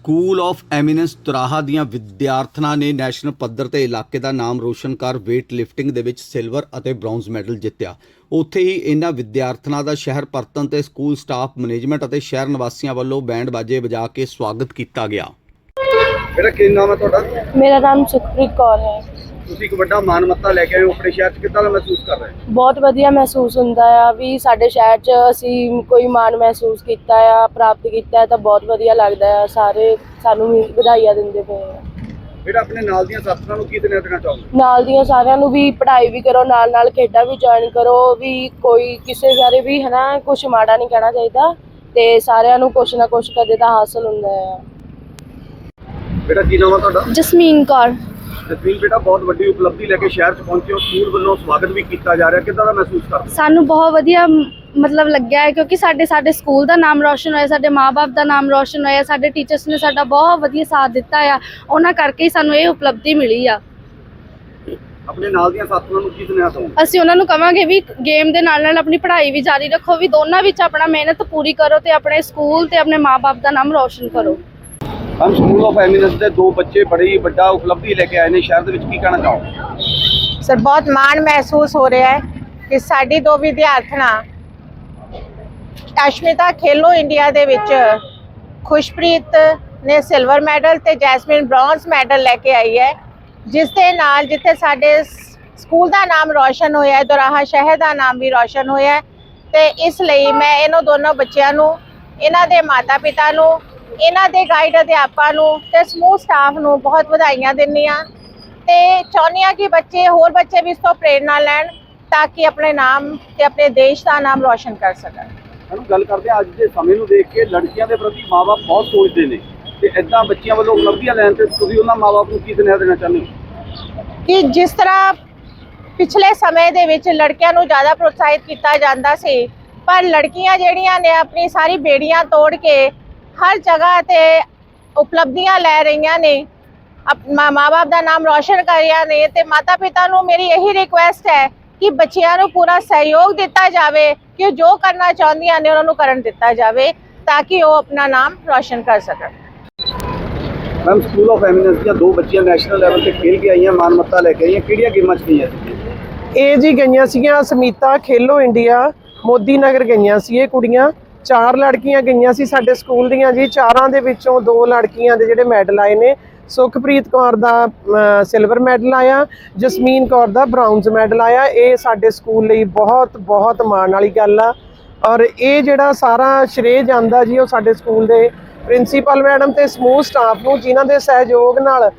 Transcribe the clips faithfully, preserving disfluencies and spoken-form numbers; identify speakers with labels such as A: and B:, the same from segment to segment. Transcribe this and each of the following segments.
A: School of eminence ਤੁਰਾਹਾ ਦੀਆਂ ਵਿਦਿਆਰਥਣਾਂ ਨੇ ਨੈਸ਼ਨਲ ਪੱਧਰ ਤੇ ਇਲਾਕੇ ਦਾ ਨਾਮ ਰੋਸ਼ਨ ਕਰ ਵੇਟ ਲਿਫਟਿੰਗ ਦੇ ਵਿੱਚ ਸਿਲਵਰ ਅਤੇ ਬ੍ਰੌਂਜ਼ ਮੈਡਲ ਜਿੱਤਿਆ। ਉੱਥੇ ਹੀ ਇਹਨਾਂ ਵਿਦਿਆਰਥਣਾਂ ਦਾ ਸ਼ਹਿਰ ਪਰਤਣ ਤੇ ਸਕੂਲ ਸਟਾਫ ਮੈਨੇਜਮੈਂਟ ਅਤੇ ਸ਼ਹਿਰ ਨਿਵਾਸੀਆਂ ਵੱਲੋਂ ਬੈਂਡ ਬਾਜੇ ਵਜਾ ਕੇ ਸਵਾਗਤ ਕੀਤਾ ਗਿਆ।
B: ਮੇਰਾ ਕੀ ਨਾਮ ਹੈ ਤੁਹਾਡਾ?
C: ਮੇਰਾ ਨਾਮ ਸੁਖਪ੍ਰੀਤ ਕੌਰ ਹੈ।
B: ਤੁਸੀਂ ਇੱਕ ਵੱਡਾ ਮਾਨਮੱਤਾ ਲੈ ਕੇ ਆਏ ਹੋ ਆਪਣੇ ਸ਼ਹਿਰ 'ਚ, ਕਿੱਦਾਂ ਦਾ ਮਹਿਸੂਸ ਕਰ ਰਹੇ ਹੋ?
C: ਬਹੁਤ ਵਧੀਆ ਮਹਿਸੂਸ ਹੁੰਦਾ ਆ ਵੀ ਸਾਡੇ ਸ਼ਹਿਰ 'ਚ ਅਸੀਂ ਕੋਈ ਮਾਣ ਮਹਿਸੂਸ ਕੀਤਾ ਆ, ਪ੍ਰਾਪਤ ਕੀਤਾ ਤਾਂ ਬਹੁਤ ਵਧੀਆ ਲੱਗਦਾ ਆ। ਸਾਰੇ ਸਾਨੂੰ ਵੀ ਵਧਾਈਆਂ ਦਿੰਦੇ ਪਏ ਆ।
B: ਜਿਹੜਾ ਆਪਣੇ ਨਾਲ ਦੀਆਂ ਸਾਥੀਆਂ ਨੂੰ ਕੀ ਸੁਨੇਹਾ ਦੇਣਾ ਚਾਹੋਗੇ?
C: ਨਾਲ ਦੀਆਂ ਸਾਰਿਆਂ ਨੂੰ ਵੀ ਪੜ੍ਹਾਈ ਵੀ ਕਰੋ, ਨਾਲ ਨਾਲ ਖੇਡਾਂ ਵੀ ਜੁਆਇਨ ਕਰੋ, ਵੀ ਕੋਈ ਕਿਸੇ ਬਾਰੇ ਵੀ ਹੈ ਨਾ ਕੁਛ ਮਾੜਾ ਨਹੀਂ ਕਹਿਣਾ ਚਾਹੀਦਾ ਤੇ ਸਾਰਿਆਂ ਨੂੰ ਕੁਛ ਨਾ ਕੁਛ ਕਦੇ ਤਾਂ ਹਾਸਲ ਹੁੰਦਾ ਆ।
B: ਬੇਟਾ ਕੀ ਨਾਮ ਹੈ ਤੁਹਾਡਾ?
C: ਜਸਮੀਨ ਕੌਰ।
B: ਜਸਮੀਨ ਬੇਟਾ, ਬਹੁਤ ਵੱਡੀ ਉਪਲਬਧੀ ਲੈ ਕੇ ਸ਼ਹਿਰ 'ਚ ਪਹੁੰਚੇ ਹੋ, ਸਕੂਲ ਵੱਲੋਂ ਸਵਾਗਤ ਵੀ ਕੀਤਾ ਜਾ ਰਿਹਾ, ਕਿੱਦਾਂ ਦਾ ਮਹਿਸੂਸ ਕਰਦੇ ਹੋ?
D: ਸਾਨੂੰ ਬਹੁਤ ਵਧੀਆ ਮਤਲਬ ਲੱਗਿਆ ਹੈ ਕਿਉਂਕਿ ਸਾਡੇ ਸਾਡੇ ਸਕੂਲ ਦਾ ਨਾਮ ਰੌਸ਼ਨ ਹੋਇਆ, ਸਾਡੇ ਮਾਪੇ ਦਾ ਨਾਮ ਰੌਸ਼ਨ ਹੋਇਆ, ਸਾਡੇ ਟੀਚਰਸ ਨੇ ਸਾਡਾ ਬਹੁਤ ਵਧੀਆ ਸਾਥ ਦਿੱਤਾ ਆ, ਉਹਨਾਂ ਕਰਕੇ ਹੀ ਸਾਨੂੰ ਇਹ ਉਪਲਬਧੀ ਮਿਲੀ ਆ।
B: ਆਪਣੇ ਨਾਲ ਦੀਆਂ ਸਾਥੀਆਂ ਨੂੰ ਕੀ ਸੁਨੇਹਾ ਦਵੋਗੇ?
D: ਅਸੀਂ ਉਹਨਾਂ ਨੂੰ ਕਵਾਂਗੇ ਵੀ ਗੇਮ ਦੇ ਨਾਲ ਨਾਲ ਆਪਣੀ ਪੜ੍ਹਾਈ ਵੀ ਜਾਰੀ ਰੱਖੋ, ਵੀ ਦੋਨਾਂ ਵਿੱਚ ਆਪਣਾ ਮਿਹਨਤ ਪੂਰੀ ਕਰੋ ਤੇ ਆਪਣੇ ਸਕੂਲ ਤੇ ਆਪਣੇ ਮਾਪੇ ਦਾ ਨਾਮ ਰੌਸ਼ਨ ਕਰੋ।
B: ਹਮ ਸਕੂਲ ਆਫ ਐਮੀਨੈਂਸ ਦੇ ਦੋ ਬੱਚੇ ਬੜੀ ਵੱਡਾ ਉਪਲਬਧੀ ਲੈ ਕੇ ਆਏ ਨੇ ਸ਼ਹਿਰ ਦੇ ਵਿੱਚ, ਕੀ ਕਹਿਣਾ ਚਾਹੋਗੇ?
E: ਸਰ ਬਹੁਤ ਮਾਣ ਮਹਿਸੂਸ ਹੋ ਰਿਹਾ ਹੈ ਕਿ ਸਾਡੀ ਦੋ ਵਿਦਿਆਰਥਣਾਂ ਅਸ਼ਮਿਤਾ ਖੇਲੋ ਇੰਡੀਆ ਦੇ ਵਿੱਚ ਖੁਸ਼ਪ੍ਰੀਤ ਨੇ ਸਿਲਵਰ ਮੈਡਲ ਤੇ ਜੈਸਮੀਨ ਬ੍ਰੌਂਜ਼ ਮੈਡਲ ਲੈ ਕੇ ਆਈ ਹੈ, ਜਿਸ ਦੇ ਨਾਲ ਜਿੱਥੇ ਸਾਡੇ ਸਕੂਲ ਦਾ ਨਾਮ ਰੌਸ਼ਨ ਹੋਇਆ ਹੈ, ਦੁਰਾਹਾ ਸ਼ਹਿਰ ਦਾ ਨਾਮ ਵੀ ਰੌਸ਼ਨ ਹੋਇਆ ਹੈ। ਤੇ ਇਸ ਲਈ ਮੈਂ ਇਹਨਾਂ ਦੋਨੋਂ ਬੱਚਿਆਂ ਨੂੰ, ਇਹਨਾਂ ਦੇ ਮਾਤਾ ਪਿਤਾ ਨੂੰ, ਇਹਨਾਂ ਦੇ ਗਾਈਡ ਅਧਿਆਪਕਾਂ ਨੂੰ ਤੇ ਸਮੂਹ ਸਟਾਫ ਨੂੰ ਬਹੁਤ ਵਧਾਈਆਂ ਦਿੰਦੀ ਹਾਂ ਤੇ ਚਾਹੁੰਦੀ ਹਾਂ ਕਿ ਬੱਚੇ ਹੋਰ ਬੱਚੇ ਵੀ ਇਸ ਤੋਂ ਪ੍ਰੇਰਨਾ ਲੈਣ ਤਾਂ ਕਿ ਆਪਣੇ ਨਾਮ ਤੇ ਆਪਣੇ ਦੇਸ਼ ਦਾ ਨਾਮ ਰੌਸ਼ਨ ਕਰ ਸਕਣ।
B: ਸਾਨੂੰ ਗੱਲ ਕਰਦੇ ਹਾਂ, ਅੱਜ ਦੇ ਸਮੇਂ ਨੂੰ ਦੇਖ ਕੇ ਲੜਕੀਆਂ ਦੇ ਪ੍ਰਤੀ ਮਾਪੇ ਬਹੁਤ ਸੋਚਦੇ ਨੇ ਤੇ ਇਦਾਂ ਬੱਚਿਆਂ ਵੱਲੋਂ ਉਪਲਬਧੀਆਂ ਲੈਣ ਤੇ ਤੁਸੀਂ ਉਹਨਾਂ ਮਾਪਿਆਂ ਨੂੰ ਕੀ ਸੁਨੇਹਾ ਦੇਣਾ ਚਾਹੁੰਦੇ ਹੋ?
E: ਕਿ ਜਿਸ ਤਰ੍ਹਾਂ ਪਿਛਲੇ ਸਮੇਂ ਦੇ ਵਿੱਚ ਲੜਕਿਆਂ ਨੂੰ ਜ਼ਿਆਦਾ ਪ੍ਰੋਤਸਾਹਿਤ ਕੀਤਾ ਜਾਂਦਾ ਸੀ, ਪਰ ਲੜਕੀਆਂ ਜਿਹੜੀਆਂ ਨੇ ਆਪਣੀ ਸਾਰੀ ਬੇੜੀਆਂ ਤੋੜ ਕੇ ਹਰ ਜਗ੍ਹਾ ਤੇ ਉਪਲਬਧੀਆਂ ਲੈ ਰਹੀਆਂ ਨੇ, ਮਾਂ-ਬਾਪ ਦਾ ਨਾਮ ਰੌਸ਼ਨ ਕਰ ਰਹੀਆਂ ਨੇ ਤੇ ਮਾਤਾ ਪਿਤਾ ਨੂੰ ਮੇਰੀ ਇਹੀ ਰਿਕੁਐਸਟ ਹੈ ਕਿ ਬੱਚਿਆਂ ਨੂੰ ਪੂਰਾ ਸਹਿਯੋਗ ਦਿੱਤਾ ਜਾਵੇ ਕਿ ਜੋ ਕਰਨਾ ਚਾਹੁੰਦੀਆਂ ਨੇ ਉਹਨਾਂ ਨੂੰ ਕਰਨ ਦਿੱਤਾ ਜਾਵੇ ਤਾਂ ਕਿ ਉਹ ਆਪਣਾ ਨਾਮ ਰੌਸ਼ਨ ਕਰ ਸਕਣ।
B: ਮੈਮ, ਸਕੂਲ ਆਫ ਐਮੀਨੈਂਸ ਦੀਆਂ ਦੋ ਬੱਚੀਆਂ ਨੈਸ਼ਨਲ ਲੈਵਲ ਤੇ ਖੇਲ ਕੇ ਆਈਆਂ, ਮਾਨਮੱਤਾ ਲੈ ਕੇ ਆਈਆਂ, ਕਿਹੜੀਆਂ ਗੇਮਾਂ 'ਚ ਗਈਆਂ ਸੀ?
F: ਇਹ ਜੀ ਗਈਆਂ ਸੀਗੀਆਂ ਸਮੀਤਾ ਖੇਲੋ ਇੰਡੀਆ ਮੋਦੀ ਨਗਰ ਗਈਆਂ ਸੀ ਇਹ ਕੁੜੀਆਂ। ਚਾਰ ਲੜਕੀਆਂ ਗਈਆਂ ਸੀ ਸਾਡੇ ਸਕੂਲ ਦੀਆਂ ਜੀ, ਚਾਰਾਂ ਦੇ ਵਿੱਚੋਂ ਦੋ ਲੜਕੀਆਂ ਦੇ ਜਿਹੜੇ ਮੈਡਲ ਆਏ ਨੇ, ਸੁਖਪ੍ਰੀਤ ਕੌਰ ਦਾ ਸਿਲਵਰ ਮੈਡਲ ਆਇਆ, ਜਸਮੀਨ ਕੌਰ ਦਾ ਬ੍ਰਾਊਨਜ਼ ਮੈਡਲ ਆਇਆ। ਇਹ ਸਾਡੇ ਸਕੂਲ ਲਈ ਬਹੁਤ ਬਹੁਤ ਮਾਣ ਵਾਲੀ ਗੱਲ ਆ ਔਰ ਇਹ ਜਿਹੜਾ ਸਾਰਾ ਸ਼੍ਰੇਅ ਜਾਂਦਾ ਜੀ ਉਹ ਸਾਡੇ ਸਕੂਲ ਦੇ ਪ੍ਰਿੰਸੀਪਲ ਮੈਡਮ ਤੇ ਸਮੂਹ ਸਟਾਫ ਨੂੰ, ਜਿਨ੍ਹਾਂ ਦੇ ਸਹਿਯੋਗ ਨਾਲ,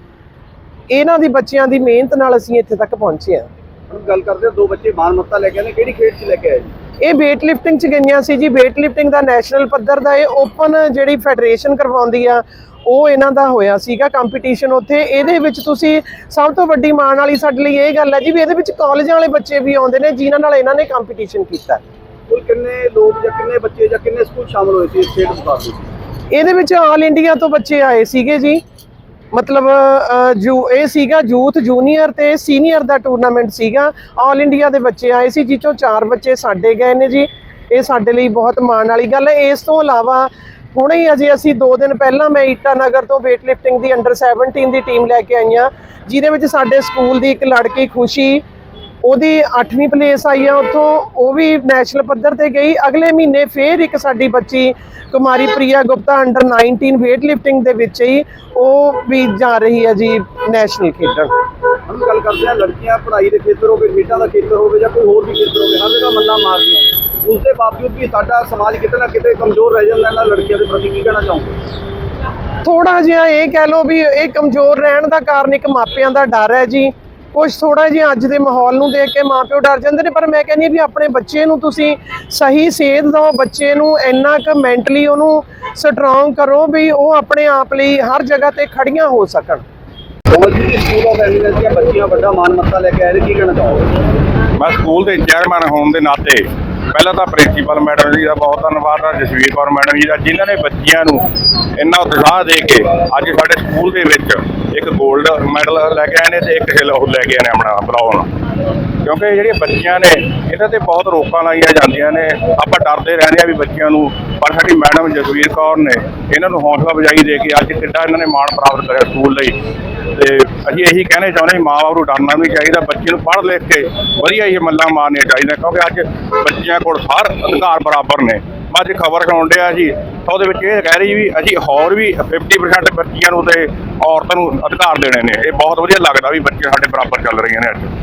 F: ਇਹਨਾਂ ਦੀ ਬੱਚਿਆਂ ਦੀ ਮਿਹਨਤ ਨਾਲ ਅਸੀਂ ਇੱਥੇ ਤੱਕ ਪਹੁੰਚੇ ਹਾਂ।
B: ਗੱਲ ਕਰਦੇ ਹਾਂ, ਦੋ ਬੱਚੇ ਮਾਨਮੱਤਾ ਲੈ ਕੇ ਆਏ ਨੇ, ਕਿਹੜੀ ਖੇਡ 'ਚ ਲੈ ਕੇ ਆਏ ਜੀ?
F: ਇਹ ਵੇਟ ਲਿਫਟਿੰਗ 'ਚ ਗਈਆਂ ਸੀ ਜੀ। ਵੇਟ ਲਿਫਟਿੰਗ ਦਾ ਨੈਸ਼ਨਲ ਪੱਧਰ ਦਾ ਇਹ ਓਪਨ ਜਿਹੜੀ ਫੈਡਰੇਸ਼ਨ ਕਰਵਾਉਂਦੀ ਆ ਉਹ ਇਹਨਾਂ ਦਾ ਹੋਇਆ ਸੀਗਾ ਕੰਪੀਟੀਸ਼ਨ ਉੱਥੇ। ਇਹਦੇ ਵਿੱਚ ਤੁਸੀਂ ਸਭ ਤੋਂ ਵੱਡੀ ਮਾਣ ਵਾਲੀ ਸਾਡੇ ਲਈ ਇਹ ਗੱਲ ਹੈ ਜੀ ਵੀ ਇਹਦੇ ਵਿੱਚ ਕਾਲਜਾਂ ਵਾਲੇ ਬੱਚੇ ਵੀ ਆਉਂਦੇ ਨੇ ਜਿਨ੍ਹਾਂ ਨਾਲ ਇਹਨਾਂ ਨੇ ਕੰਪੀਟੀਸ਼ਨ ਕੀਤਾ।
B: ਕੁੱਲ ਕਿੰਨੇ ਲੋਕ ਜਾਂ ਕਿੰਨੇ ਬੱਚੇ ਜਾਂ ਕਿੰਨੇ ਸਕੂਲ ਸ਼ਾਮਲ ਹੋਏ ਸੀ ਇਸ ਖੇਡ ਮੁਕਾਬਲੇ 'ਚ?
F: ਇਹਦੇ ਵਿੱਚ ਆਲ ਇੰਡੀਆ ਤੋਂ ਬੱਚੇ ਆਏ ਸੀਗੇ ਜੀ, ਮਤਲਬ ਜੂ ਇਹ ਸੀਗਾ ਯੂਥ ਜੂਨੀਅਰ ਤੇ ਸੀਨੀਅਰ ਦਾ ਟੂਰਨਾਮੈਂਟ ਸੀਗਾ। ਆਲ ਇੰਡੀਆ ਦੇ ਬੱਚੇ ਆਏ ਸੀ, ਜਿਸ ਚੋਂ ਚਾਰ ਬੱਚੇ ਸਾਡੇ ਗਏ ਨੇ ਜੀ। ਇਹ ਸਾਡੇ ਲਈ ਬਹੁਤ ਮਾਣ ਵਾਲੀ ਗੱਲ ਹੈ। ਇਸ ਤੋਂ ਇਲਾਵਾ ਹੁਣੇ ਹੀ ਅਜੇ ਅਸੀਂ ਦੋ ਦਿਨ ਪਹਿਲਾਂ ਮੈਂ ਈਟਾ ਨਗਰ ਤੋਂ ਵੇਟ ਲਿਫਟਿੰਗ ਦੀ ਅੰਡਰ ਸੈਵਨਟੀਨ ਦੀ ਟੀਮ ਲੈ ਕੇ ਆਈ ਹਾਂ, ਜਿਹਦੇ ਵਿੱਚ ਸਾਡੇ ਸਕੂਲ ਦੀ ਇੱਕ ਲੜਕੀ ਖੁਸ਼ੀ, ਉਹਦੀ ਅੱਠਵੀਂ ਪਲੇਸ ਆਈ ਆ ਉੱਥੋਂ, ਉਹ ਵੀ ਨੈਸ਼ਨਲ ਪੱਧਰ ਤੇ ਗਈ। ਅਗਲੇ ਮਹੀਨੇ ਫੇਰ ਇੱਕ ਸਾਡੀ ਬੱਚੀ Kumari Priya Gupta under nineteen weight lifting ਦੇ ਵਿੱਚ ਹੀ ਉਹ ਵੀ ਜਾ ਰਹੀ ਹੈ ਜੀ ਨੈਸ਼ਨਲ ਖੇਡਣ।
B: हम गल करते हैं, लड़कियां पढ़ाई के खेतर होवे, खेडा का खेतर होवे या कोई होर भी खेतर होवे, हर जगह मल्ला मारदियां ने, उसके बावजूद भी साडा समाज किते ना किते कमजोर रह जांदा है। लड़कियां के प्रति की कहना चाहूँगा?
F: थोड़ा जिहा ये कह लो भी ये कमजोर रहने का कारण एक मापिਆਂ ਦਾ डर है जी। ਕੁਛ ਥੋੜਾ ਜਿਹਾ ਅੱਜ ਦੇ ਮਾਹੌਲ ਨੂੰ ਦੇਖ ਕੇ ਮਾਂ ਪਿਓ ਡਰ ਜਾਂਦੇ ਨੇ, ਪਰ ਮੈਂ ਕਹਿੰਦੀ ਹਾਂ ਵੀ ਆਪਣੇ ਬੱਚੇ ਨੂੰ ਤੁਸੀਂ ਸਹੀ ਸੇਧ ਦਿਓ, ਬੱਚੇ ਨੂੰ ਇੰਨਾ ਕੁ ਮੈਂਟਲੀ ਉਹਨੂੰ ਸਟਰੋਂਗ ਕਰੋ ਵੀ ਉਹ ਆਪਣੇ ਆਪ ਲਈ ਹਰ ਜਗ੍ਹਾ ਤੇ ਖੜੀਆਂ ਹੋ ਸਕਣ।
B: ਸਕੂਲ ਆਫ ਐਮੀਨੈਂਸ ਦੀਆਂ ਬੱਚੀਆਂ ਵੱਡਾ ਮਾਨਮੱਤਾ ਲੈ ਕੇ ਆਏ ਨੇ, ਕੀ ਕਹਿਣਾ ਚਾਹੋਗੇ?
G: ਮੈਂ ਸਕੂਲ ਦੇ ਚੇਅਰਮੈਨ ਹੋਣ ਦੇ ਨਾਤੇ ਪਹਿਲਾਂ ਤਾਂ ਪ੍ਰਿੰਸੀਪਲ ਮੈਡਮ ਜੀ ਦਾ ਬਹੁਤ ਧੰਨਵਾਦ ਆ, ਜਸਵੀਰ ਕੌਰ ਮੈਡਮ ਜੀ ਦਾ, ਜਿਨ੍ਹਾਂ ਨੇ ਬੱਚਿਆਂ ਨੂੰ ਇੰਨਾ ਉਤਸ਼ਾਹ ਦੇ ਕੇ ਅੱਜ ਸਾਡੇ ਸਕੂਲ ਦੇ ਵਿੱਚ ਇੱਕ ਗੋਲਡ ਮੈਡਲ ਲੈ ਕੇ ਆਏ ਨੇ ਤੇ ਇੱਕ ਸਿਲਵਰ ਲੈ ਕੇ ਆਏ ਨੇ ਆਪਣਾ ਬਰਾਊਨ। ਕਿਉਂਕਿ ਜਿਹੜੀਆਂ ਬੱਚੀਆਂ ਨੇ ਇਹਨਾਂ ਤੇ ਬਹੁਤ ਰੋਕਾਂ ਲਾਈਆਂ ਜਾਂਦੀਆਂ ਨੇ। ਆਪਾਂ ਡਰਦੇ ਰਹਿੰਦੇ ਆ ਵੀ ਬੱਚਿਆਂ ਨੂੰ, ਪਰ ਸਾਡੀ ਮੈਡਮ ਜਸਵੀਰ ਕੌਰ ਨੇ ਇਹਨਾਂ ਨੂੰ ਹੌਸਲਾ ਅਫਜ਼ਾਈ ਦੇ ਕੇ ਅੱਜ ਕਿੱਡਾ ਇਹਨਾਂ ਨੇ ਮਾਣ ਪ੍ਰਾਪਤ ਕਰਿਆ ਸਕੂਲ ਲਈ। ਤੇ ਅਸੀਂ ਇਹੀ ਕਹਿਣਾ ਚਾਹੁੰਦੇ ਹਾਂ, ਮਾਂ ਬਾਪ ਨੂੰ ਡਰਨਾ ਵੀ ਚਾਹੀਦਾ, ਬੱਚੇ ਨੂੰ ਪੜ੍ਹ ਲਿਖ ਕੇ ਵਧੀਆ ਹੀ ਮੱਲਾਂ ਮਾਰਨੀਆਂ ਚਾਹੀਦੀਆਂ, ਕਿਉਂਕਿ ਅੱਜ ਬੱਚਿਆਂ ਕੋਲ ਹਰ ਅਧਿਕਾਰ ਬਰਾਬਰ ਨੇ। ਮੈਂ ਅੱਜ ਖਬਰ ਸੁਣ ਡਿਆ ਜੀ, ਉਹਦੇ ਵਿੱਚ ਇਹ ਕਹਿ ਰਹੀ ਵੀ ਅਸੀਂ ਹੋਰ ਵੀ ਫਿਫਟੀ ਪਰਸੈਂਟ ਬੱਚਿਆਂ ਨੂੰ ਤੇ ਔਰਤਾਂ ਨੂੰ ਅਧਿਕਾਰ ਦੇਣੇ ਨੇ। ਇਹ ਬਹੁਤ ਵਧੀਆ ਲੱਗਦਾ ਵੀ ਬੱਚੇ ਸਾਡੇ ਬਰਾਬਰ ਚੱਲ ਰਹੀਆਂ ਨੇ ਅੱਜ।